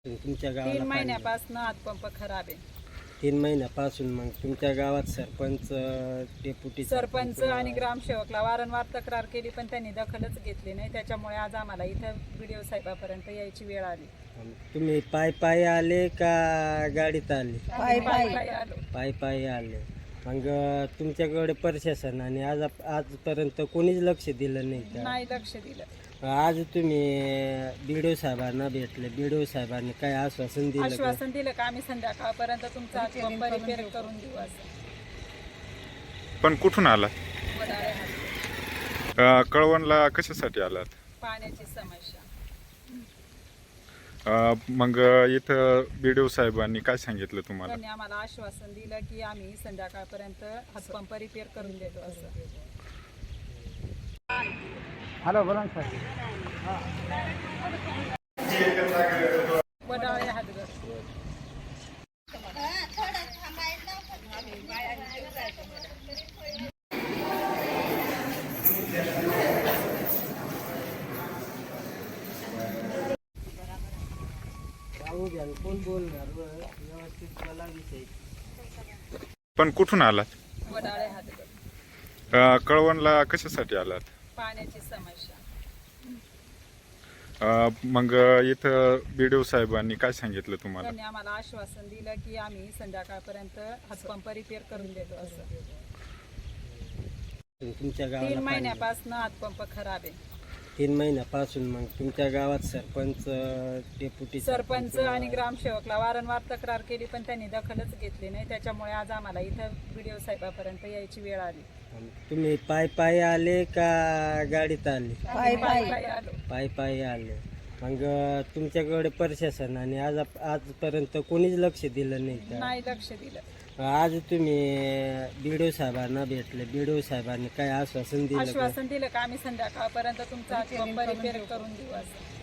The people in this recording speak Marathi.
तुमच्या गावाला 3 पाणी महिन्यापासून हातपंप खराब आहे. 3 महिन्यापासून मग तुमच्या गावात सरपंच डेप्युटी सरपंच आणि ग्रामसेवकला वारंवार तक्रार केली पण त्यांनी दखलच घेतली नाही. त्याच्यामुळे आज आम्हाला इथं व्हिडिओ साहेबापर्यंत यायची वेळ आली. तुम्ही पायी आले का गाडीत आले? पायी आलो. पायी आले. मग तुमच्याकडे प्रशासनाने आजपर्यंत कोणीच लक्ष दिलं नाही का? नाही लक्ष दिलं. आज तुम्ही बीडीओ साहेबांना भेटले, बीडीओ साहेबांनी काय आश्वासन दिलं का? आश्वासन दिलं का आम्ही संध्याकाळपर्यंत तुमचा हातपंप रिपेअर करून देऊ असं. पण कुठून आलात? वडाळे हात. कळवणला कशासाठी आलात? पाण्याची समस्या. मग इथं बीडीओ साहेबांनी काय सांगितलं तुम्हाला? त्यांनी आम्हाला आश्वासन दिलं की आम्ही संध्याकाळपर्यंत हातपंप रिपेअर करून देतो असं. हॅलो बोला सर. वडाळे हातगर. कोण बोलणार व्यवस्थित मला विषय. पण कुठून आलात? वडाळे हातगर. कळवणला कशासाठी आलात? पाण्याची समस्या. मग इथं बीडीओ साहेबांनी काय सांगितलं तुम्हाला? त्यांनी आम्हाला आश्वासन दिलं की आम्ही संध्याकाळपर्यंत हातपंप रिपेअर करून देतो असं. तुमच्या 3 गावाला महिन्यापासून हातपंप खराब आहे. 3 महिन्यापासून मग तुमच्या गावात सरपंच डेप्युटी सरपंच आणि ग्रामसेवकला वारंवार तक्रार केली पण त्यांनी दखलच घेतली नाही. त्याच्यामुळे आज आम्हाला इथं व्हिडिओ साहेबापर्यंत यायची वेळ आली. तुम्ही पायी आले का गाडीत आले? पायी आलो. पायी आले. मग तुमच्याकडे प्रशासनाने आजपर्यंत कोणीच लक्ष दिलं नाही का? नाही लक्ष दिलं. आज तुम्ही बीडीओ साहेबांना भेटले, बीडीओ साहेबांनी काय आश्वासन दिलं का? आश्वासन दिलं का आम्ही संध्याकाळपर्यंत तुमचा हातपंप रिपेअर करून देऊ असं.